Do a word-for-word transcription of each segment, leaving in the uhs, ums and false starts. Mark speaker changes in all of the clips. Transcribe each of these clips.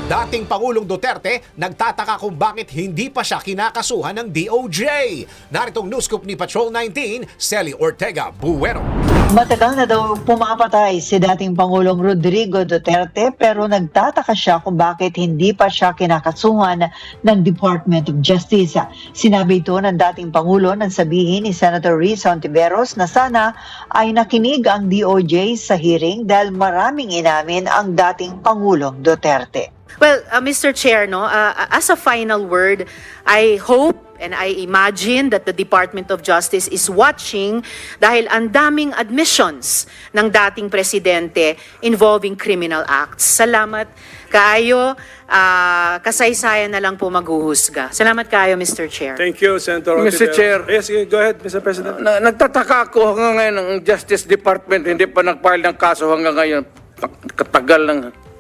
Speaker 1: Dating Pangulong Duterte nagtataka kung bakit hindi pa siya kinakasuhan ng D O J. Naritong news scoop ni Patrol nineteen, Celi Ortega Buero.
Speaker 2: Matagal na daw pumapatay si dating Pangulong Rodrigo Duterte pero nagtataka siya kung bakit hindi pa siya kinakasuhan ng Department of Justice. Sinabi ito ng dating Pangulo nang sabihin ni Senator Risa Hontiveros na sana ay nakinig ang D O J sa hearing dahil maraming inamin ang dating Pangulong Duterte.
Speaker 3: Well, uh, Mister Chair, no, uh, as a final word, I hope and I imagine that the Department of Justice is watching dahil ang daming admissions ng dating presidente involving criminal acts. Salamat kaayo, uh, kasaysayan na lang po maghuhusga. Salamat kaayo, Mister Chair.
Speaker 4: Thank you, Senator
Speaker 5: Mister
Speaker 4: Ontiveros.
Speaker 5: Chair.
Speaker 4: Yes, go ahead, Mister President.
Speaker 5: Na, nagtataka ako hanggang ngayon ang Justice Department hindi pa nag-file ng kaso hanggang ngayon. Katagal lang.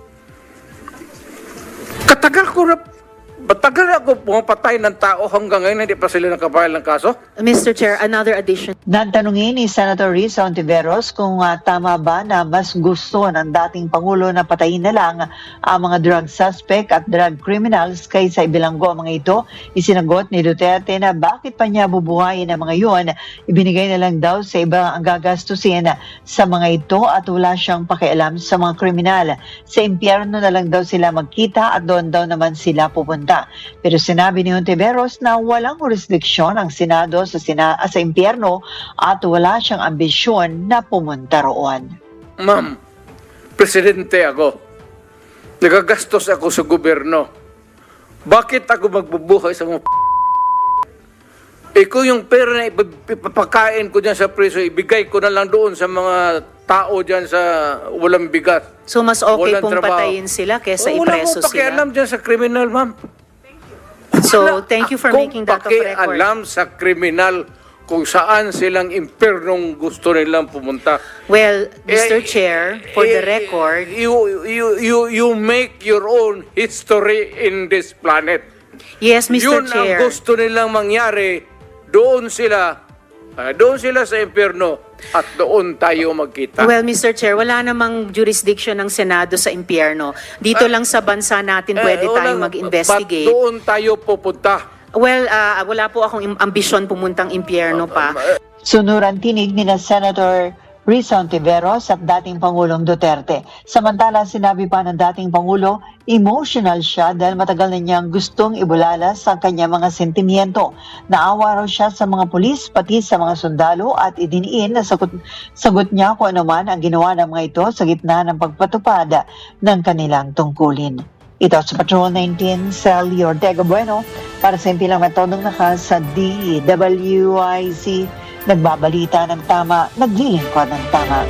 Speaker 5: Katagal ko na, matagal ako pumapatay ng tao hanggang ngayon hindi pa sila nakapile ng kaso.
Speaker 3: Mister Chair, another addition.
Speaker 2: Natanungin ni Senator Risa Hontiveros kung uh, tama ba na mas gusto ng dating Pangulo na patayin na lang ang mga drug suspect at drug criminals kaysa ibilanggo ang mga ito. Isinagot ni Duterte na bakit pa niya bubuhayin ang mga yun. Ibinigay na lang daw sa iba ang gagastusin sa mga ito at wala siyang pakialam sa mga kriminal. Sa impyerno na lang daw sila magkita at doon daw naman sila pupunta. Pero sinabi ni Hontiveros na walang jurisdiksyon ang Senado sa, sina sa impyerno at wala siyang ambisyon na pumunta roon.
Speaker 5: Ma'am, presidente ako. Nagagastos ako sa gobyerno. Bakit ako magbubuhay sa mga Ikaw yung pera na ipapakain ko dyan sa preso, ibigay ko na lang doon sa mga tao dyan sa walang bigat.
Speaker 3: So mas okay
Speaker 5: Walang
Speaker 3: pong
Speaker 5: trabaho.
Speaker 3: patayin sila kesa
Speaker 5: Oh,
Speaker 3: ipreso
Speaker 5: wala akong pakialam
Speaker 3: sila.
Speaker 5: dyan sa kriminal, ma'am.
Speaker 3: So thank you for
Speaker 5: Akong
Speaker 3: making that of record.
Speaker 5: pakialam sa kriminal kung saan silang impernong gusto nilang pumunta.
Speaker 3: Well, Mister
Speaker 5: Eh,
Speaker 3: Chair, for the
Speaker 5: eh,
Speaker 3: record,
Speaker 5: you, you, you, you make your own history in this planet.
Speaker 3: yes, Mister
Speaker 5: Yun
Speaker 3: Chair.
Speaker 5: ang gusto nilang mangyari. Doon sila, ah, doon sila sa impyerno at doon tayo magkita.
Speaker 3: Well, Mister Chair, wala namang jurisdiction ng Senado sa impyerno. Dito lang sa bansa natin pwede
Speaker 5: Eh,
Speaker 3: tayong
Speaker 5: walang-
Speaker 3: mag-investigate.
Speaker 5: Ba't doon tayo pupunta?
Speaker 3: Well, ah, wala po akong im- ambisyon pumuntang impyerno pa.
Speaker 2: Sunuran tinig ni na Senator Risa Hontiveros at dating Pangulong Duterte. Samantala, sinabi pa ng dating Pangulo, emotional siya dahil matagal na niyang gustong ibulalas ang kanyang mga sentimiento. Naawa raw siya sa mga pulis, pati sa mga sundalo at idiniin na sagot, sagot niya kung ano man ang ginawa ng mga ito sa gitna ng pagpatupad ng kanilang tungkulin. Ito sa Patrol nineteen, Celi Ortega Bueno, para sa impilang metodong naka sa D W I C. Nagbabalita ng tama, naglilingkod ng tama.